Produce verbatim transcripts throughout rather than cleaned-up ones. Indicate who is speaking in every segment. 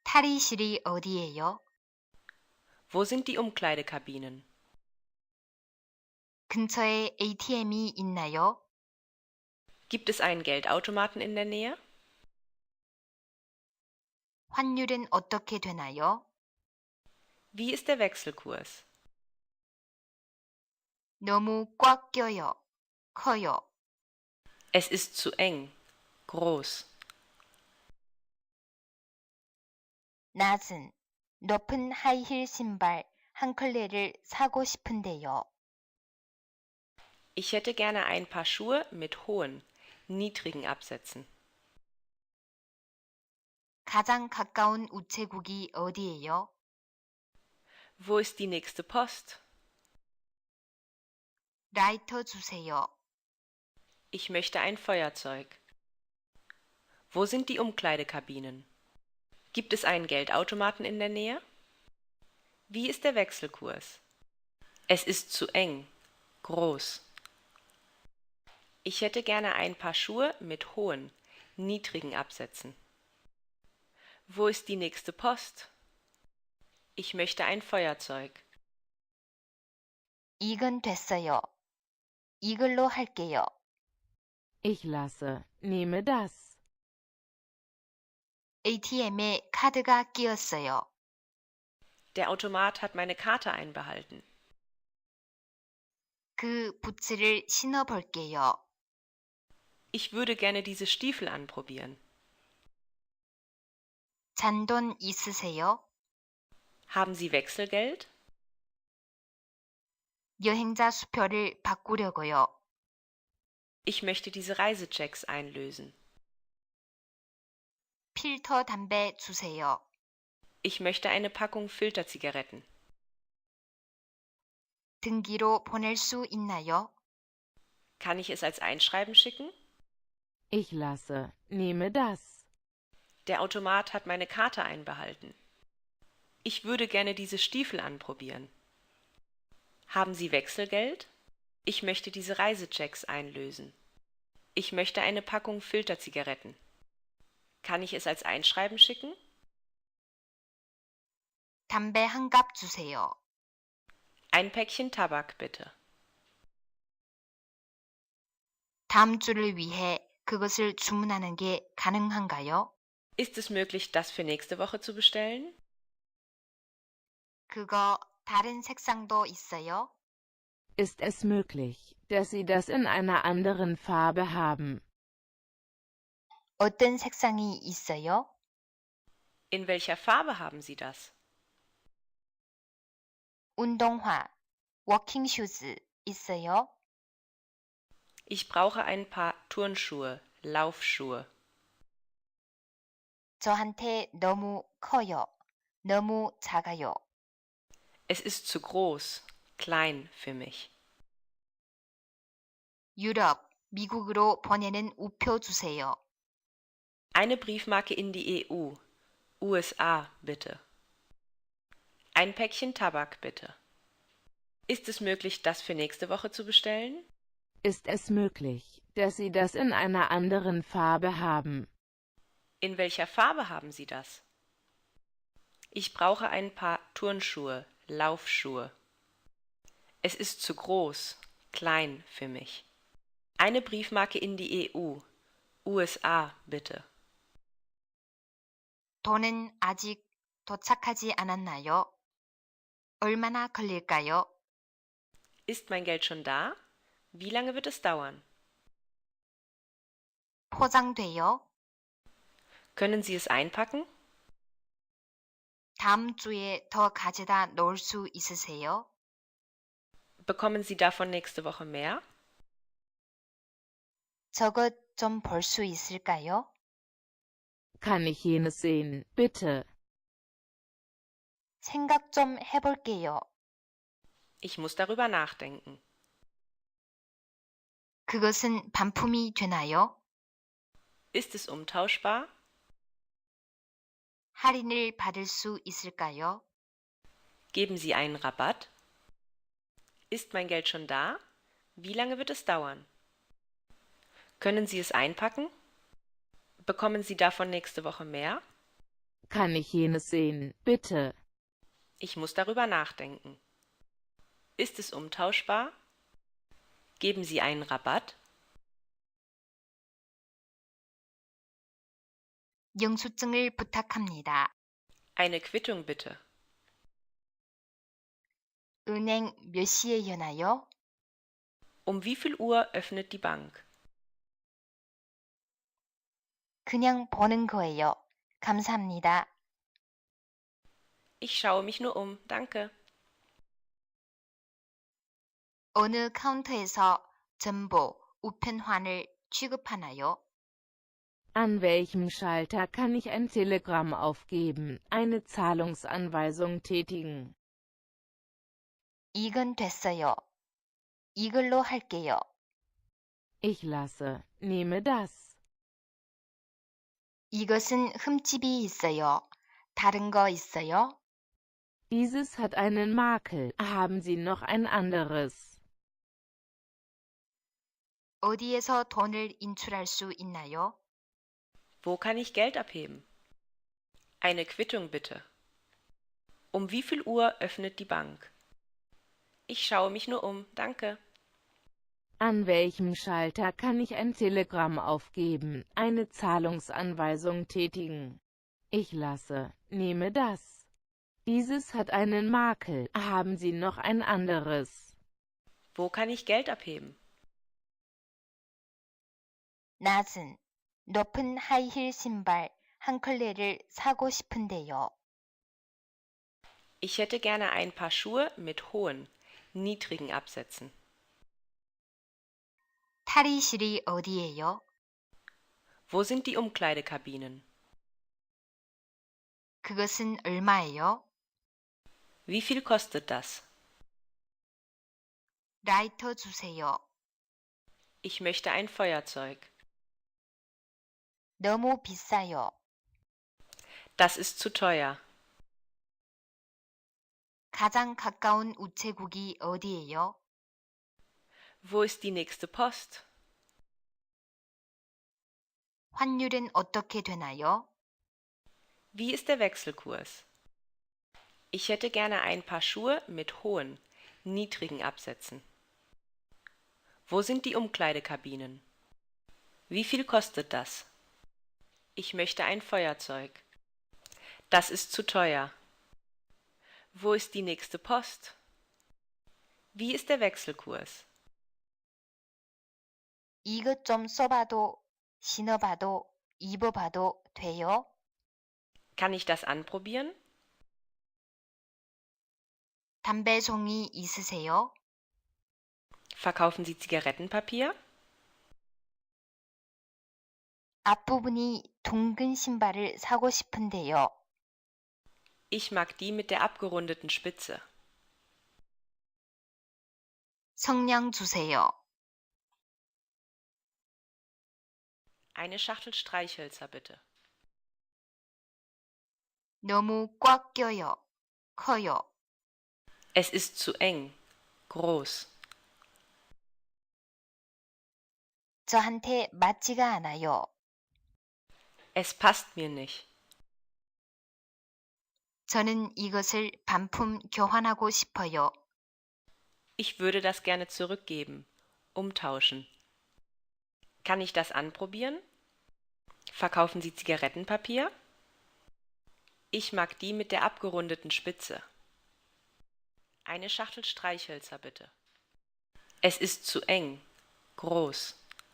Speaker 1: 탈의실이 어디예요?
Speaker 2: Wo sind die Umkleidekabinen?
Speaker 1: 근처에 에이티엠이 있나요?
Speaker 2: Gibt es einen Geldautomaten in der Nähe?
Speaker 1: 환율은 어떻게 되나요?
Speaker 2: Wie ist der Wechselkurs?
Speaker 1: 너무 꽉 껴요. 커요.
Speaker 2: Es ist zu eng. Groß.
Speaker 1: 낮은, 높은 하이힐 신발 한 컬레를 사고 싶은데요.
Speaker 2: Ich hätte gerne ein paar Schuhe mit hohen, niedrigen Absätzen.
Speaker 1: 가장 가까운 우체국이 어디예요?
Speaker 2: Wo ist die nächste Post?
Speaker 1: 라이터 주세요.
Speaker 2: Ich möchte ein Feuerzeug. Wo sind die Umkleidekabinen? Gibt es einen Geldautomaten in der Nähe? Wie ist der Wechselkurs? Es ist zu eng. Groß. Ich hätte gerne ein paar Schuhe mit hohen, niedrigen Absätzen. Wo ist die nächste Post? Ich möchte ein Feuerzeug.
Speaker 1: 이건 됐어요. 이걸로 할게요.
Speaker 3: Ich lasse. Nehme das.
Speaker 1: 에이티엠에 카드가 끼었어요.
Speaker 2: Der Automat hat meine Karte einbehalten.
Speaker 1: 그 부츠를 신어 볼게요.
Speaker 2: Ich würde gerne diese Stiefel anprobieren.
Speaker 1: 잔돈 있으세요?
Speaker 2: Haben Sie Wechselgeld?
Speaker 1: 여행자 수표를 바꾸려고요.
Speaker 2: Ich möchte diese Reisechecks einlösen.
Speaker 1: 필터 담배 주세요.
Speaker 2: Ich möchte eine Packung Filterzigaretten.
Speaker 1: 등기로 보낼 수 있나요?
Speaker 2: Kann ich es als Einschreiben schicken?
Speaker 3: Ich lasse. Nehme das.
Speaker 2: Der Automat hat meine Karte einbehalten. Ich würde gerne diese Stiefel anprobieren. Haben Sie Wechselgeld? Ich möchte diese Reisechecks einlösen. Ich möchte eine Packung Filterzigaretten. Kann ich es als Einschreiben schicken?
Speaker 1: 담배 한 갑 주세요.
Speaker 2: Ein Päckchen Tabak bitte.
Speaker 1: 다음 주를 위해 그것을 주문하는 게 가능한가요?
Speaker 2: Ist es möglich, das für nächste Woche zu bestellen?
Speaker 1: 그거 다른 색상도 있어요?
Speaker 3: Ist es möglich, dass Sie das in einer anderen Farbe haben?
Speaker 1: 어떤 색상이 있어요?
Speaker 2: In welcher Farbe haben Sie das?
Speaker 1: 운동화, 워킹슈즈 있어요?
Speaker 2: Ich brauche ein paar Turnschuhe, Laufschuhe.
Speaker 1: 저한테 너무 커요. 너무 작아요.
Speaker 2: Es ist zu groß, klein für mich.
Speaker 1: 유럽, 미국으로 보내는 우표 주세요.
Speaker 2: Eine Briefmarke in die E U, U S A bitte. Ein Päckchen Tabak bitte. Ist es möglich, das für nächste Woche zu bestellen?
Speaker 3: Ist es möglich, dass Sie das in einer anderen Farbe haben?
Speaker 2: In welcher Farbe haben Sie das? Ich brauche ein paar Turnschuhe, Laufschuhe. Es ist zu groß, klein für mich. Eine Briefmarke in die E U, U S A bitte.
Speaker 1: 돈은 아직 도착하지 않았나요? 얼마나 걸릴까요?
Speaker 2: Ist mein Geld schon da? Wie lange wird es dauern?
Speaker 1: 포장돼요?
Speaker 2: Können Sie es einpacken?
Speaker 1: 다음 주에 더 가져다 놓을 수 있으세요?
Speaker 2: Bekommen Sie davon nächste Woche mehr?
Speaker 1: 저것 좀 볼 수 있을까요?
Speaker 3: Kann ich jenes sehen, bitte?
Speaker 1: 생각 좀 해볼게요.
Speaker 2: Ich muss darüber nachdenken.
Speaker 1: 그것은 반품이 되나요?
Speaker 2: Ist es umtauschbar?
Speaker 1: 할인을 받을 수 있을까요?
Speaker 2: Geben Sie einen Rabatt? Ist mein Geld schon da? Wie lange wird es dauern? Können Sie es einpacken? Bekommen Sie davon nächste Woche mehr?
Speaker 3: Kann ich jenes sehen, bitte?
Speaker 2: Ich muss darüber nachdenken. Ist es umtauschbar? Geben Sie einen Rabatt?
Speaker 1: 영수증을 부탁합니다.
Speaker 2: Eine Quittung bitte.
Speaker 1: 은행 몇 시에 여나요?
Speaker 2: Um wie viel Uhr öffnet die Bank?
Speaker 1: 그냥 보는 거예요. 감사합니다.
Speaker 2: Ich schaue mich nur um, danke.
Speaker 1: 어느 카운터에서 전보, 우편환을 취급하나요?
Speaker 3: An welchem Schalter kann ich ein Telegramm aufgeben, eine Zahlungsanweisung tätigen?
Speaker 1: 이건 됐어요. 이걸로 할게요.
Speaker 3: Ich lasse, nehme das.
Speaker 1: 이것은 흠집이 있어요. 다른 거 있어요?
Speaker 3: Dieses hat einen Makel. Haben Sie noch ein anderes?
Speaker 1: 어디에서 돈을 인출할 수 있나요?
Speaker 2: Wo kann ich Geld abheben? Eine Quittung bitte. Um wie viel Uhr öffnet die Bank? Ich schaue mich nur um, danke.
Speaker 3: An welchem Schalter kann ich ein Telegramm aufgeben, eine Zahlungsanweisung tätigen? Ich lasse, nehme das. Dieses hat einen Makel. Haben Sie noch ein anderes?
Speaker 2: Wo kann ich Geld abheben?
Speaker 1: 낮은, 높은 하이힐 신발 한 컬레를 사고 싶은데요.
Speaker 2: Ich hätte gerne ein paar Schuhe mit hohen, niedrigen Absätzen.
Speaker 1: 탈의실이 어디예요?
Speaker 2: Wo sind die Umkleidekabinen?
Speaker 1: 그것은 얼마예요?
Speaker 2: Wie viel kostet das?
Speaker 1: 라이터 주세요.
Speaker 2: Ich möchte ein Feuerzeug.
Speaker 1: 너무 비싸요.
Speaker 2: Das ist zu teuer.
Speaker 1: 가장 가까운 우체국이 어디예요?
Speaker 2: Wo ist die nächste Post?
Speaker 1: 환율은 어떻게 되나요?
Speaker 2: Wie ist der Wechselkurs? Ich hätte gerne ein paar Schuhe mit hohen, niedrigen Absätzen. Wo sind die Umkleidekabinen? Wie viel kostet das? Ich möchte ein Feuerzeug. Das ist zu teuer. Wo ist die nächste Post? Wie ist der Wechselkurs?
Speaker 1: 이것 좀 써봐도, 신어봐도, 입어봐도 돼요?
Speaker 2: Kann ich das anprobieren?
Speaker 1: 담배 종이 있으세요?
Speaker 2: Verkaufen Sie Zigarettenpapier?
Speaker 1: 앞부분이 둥근 신발을 사고 싶은데요.
Speaker 2: Ich mag die mit der abgerundeten Spitze.
Speaker 1: 성냥 주세요.
Speaker 2: Eine Schachtel Streichhölzer bitte.
Speaker 1: 너무 꽉 껴요. 커요.
Speaker 2: Es ist zu eng. Groß.
Speaker 1: 저한테 맞지가 않아요.
Speaker 2: Es passt mir nicht.
Speaker 1: 저는 이것을 반품 교환하고 싶어요.
Speaker 2: Ich würde das gerne zurückgeben. Umtauschen. Kann ich das anprobieren? Verkaufen Sie Zigarettenpapier? Ich mag die mit der abgerundeten Spitze. Eine Schachtel Streichhölzer bitte. Es ist zu eng. Groß.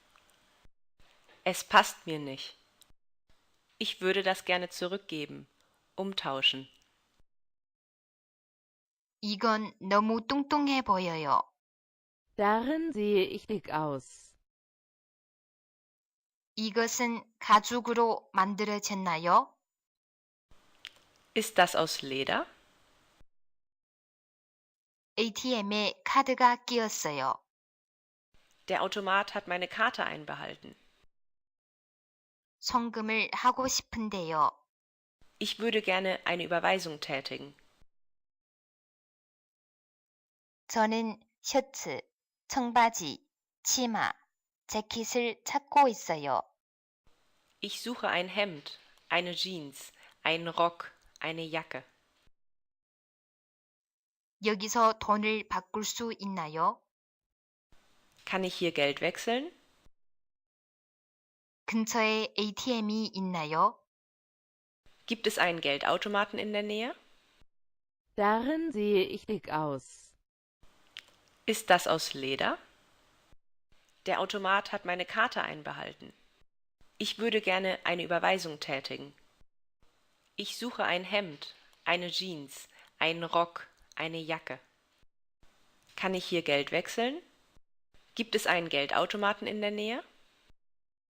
Speaker 2: Es passt mir nicht. Ich würde das gerne zurückgeben. Umtauschen.
Speaker 1: 이건 너무 뚱뚱해 보여요.
Speaker 3: Darin sehe ich dick aus.
Speaker 1: 이것은 가죽으로 만들어졌나요?
Speaker 2: Ist das aus Leder?
Speaker 1: 에이티엠에 카드가 끼었어요.
Speaker 2: Der Automat hat meine Karte einbehalten.
Speaker 1: 송금을 하고 싶은데요.
Speaker 2: Ich würde gerne eine Überweisung tätigen.
Speaker 1: 저는 셔츠, 청바지, 치마, 재킷을 찾고 있어요.
Speaker 2: Ich suche ein Hemd, eine Jeans, Ein Rock, eine Jacke.
Speaker 1: 여기서 돈을 바꿀 수 있나요?
Speaker 2: Kann ich hier Geld wechseln?
Speaker 1: 근처에 에이티엠이 있나요?
Speaker 2: Gibt es einen Geldautomaten in der Nähe?
Speaker 3: Darin sehe ich dick aus.
Speaker 2: Ist das aus Leder? Der Automat hat meine Karte einbehalten. Ich würde gerne eine Überweisung tätigen. Ich suche ein Hemd, eine Jeans, einen Rock, eine Jacke. Kann ich hier Geld wechseln? Gibt es einen Geldautomaten in der Nähe?